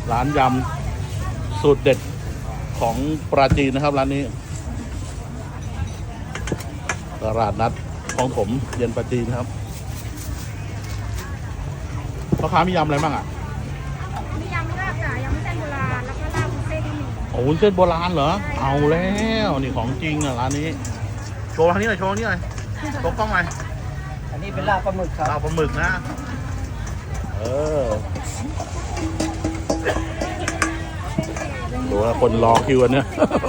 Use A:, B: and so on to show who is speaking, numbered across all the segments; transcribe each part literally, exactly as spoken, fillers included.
A: ร้านยำสูตรเด็ดของปราจีนนะครับร้านนี้ตลาดนัดของผมเย็นปราจีนครับพ่อค้ามียำอะไรบ้างอ่ะ
B: มียำลาบจ้ะยำเส้นโบราณแล้วก็ลาบวุ้นเส้นที่มี
A: โอ้วุ้นเส้นโบราณเหรอเอาแล้วนี่ของจริงอ่ะร้านนี้โชว์ทางนี้หน่อยโชว์ทางนี้หน่อยโชว์กล้องหน่อย
C: อันนี้เป็นลาบปลาหมึกครับ
A: ลาบปลาหมึกนะเออดูว่าคนรอคิวกันเนี่ย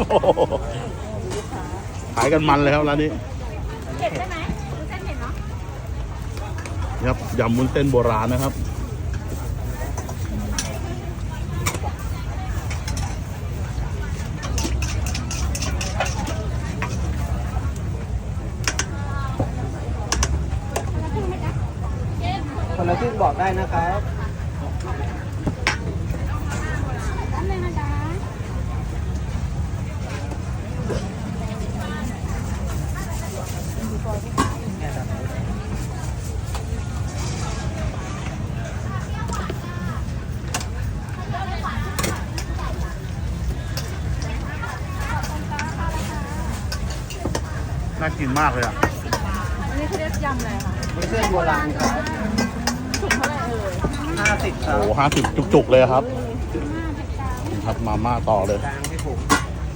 A: ขายกันมันเลยครับร้านนี้
B: เผ็ดใช่ไหมวุ้นเส้นเผ็ดเนาะ
A: ครับยำวุ้นเส้นโบราณนะครับ
C: คนละครึ่งบอกได้นะครับ
B: น้ำเลยนะจ๊ะ
A: น่ากินมากเลยอ่ะ
B: อันนี้เขาเรียกยำอะไรคะ
C: วุ้นเส้นโบราณครับ
B: ถุงเท่าไหร่เอ่ย
C: ห้าสิบครับ
A: โอ้ห้าสิบจุกๆเลยครับครับมาม่าต่อเลย
C: กลางที่ผม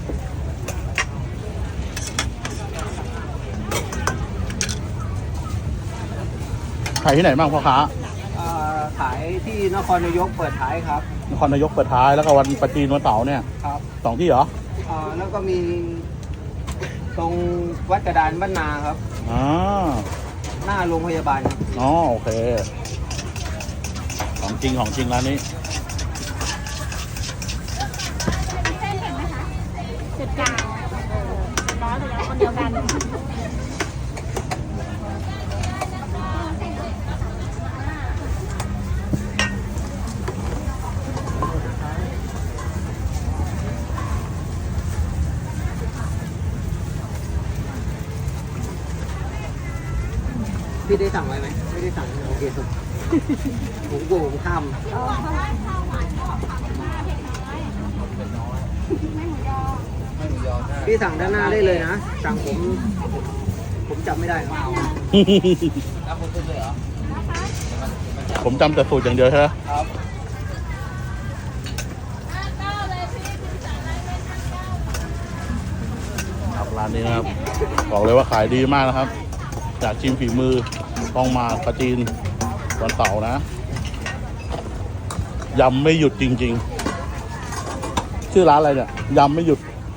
A: ขายที่ไหนบ้างพ่อค้า
C: ขายที่นครนายกเปิดท้ายครับ
A: นครนายกเปิดท้ายแล้วก็วันปราจีนวันเสาร์เนี่ย
C: ครับ
A: สองที่เหรอ
C: อ่าแล้วก็มีตรงวัดกระดานบ้านนาครับ
A: อ๋อ
C: หน้าโรงพยาบาลครับ
A: อ๋อโอเคของจริงของจริงร้านนี้
B: เส้นเผ็ดไหมคะเผ็ดกลางร้อนเลยคนเดียวกัน
C: พี่ได้สั่งไว้ไหมไม่ได้สั่งโอเคสุดผมกลัวผมข้ามพี่สั่งด้านหน้าได้เลยนะสั่งผมผมจำไม่ได้ครับ
A: ผมจำแต่สูตรอย่างเดียวใช่ไหม
C: ครับ
A: ครับร้านนี้นะครับบอกเลยว่าขายดีมากนะครับอยากชิมฝีมือต้องมาปราจีนวันเสาร์นะยำไม่หยุดจริงๆชื่อร้านอะไรเนี่ยยำไม่หยุด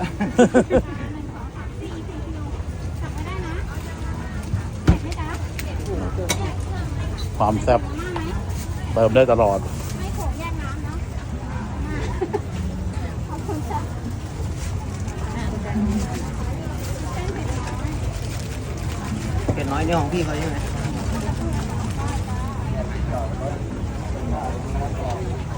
A: ความแซ่บเติมได้ตลอด
B: ไม่โขกแยกน้ำเนาะขอบคุณจ้ะ
C: เผ็ดน้อยเนี่ยของพี่เขาใช่ไหม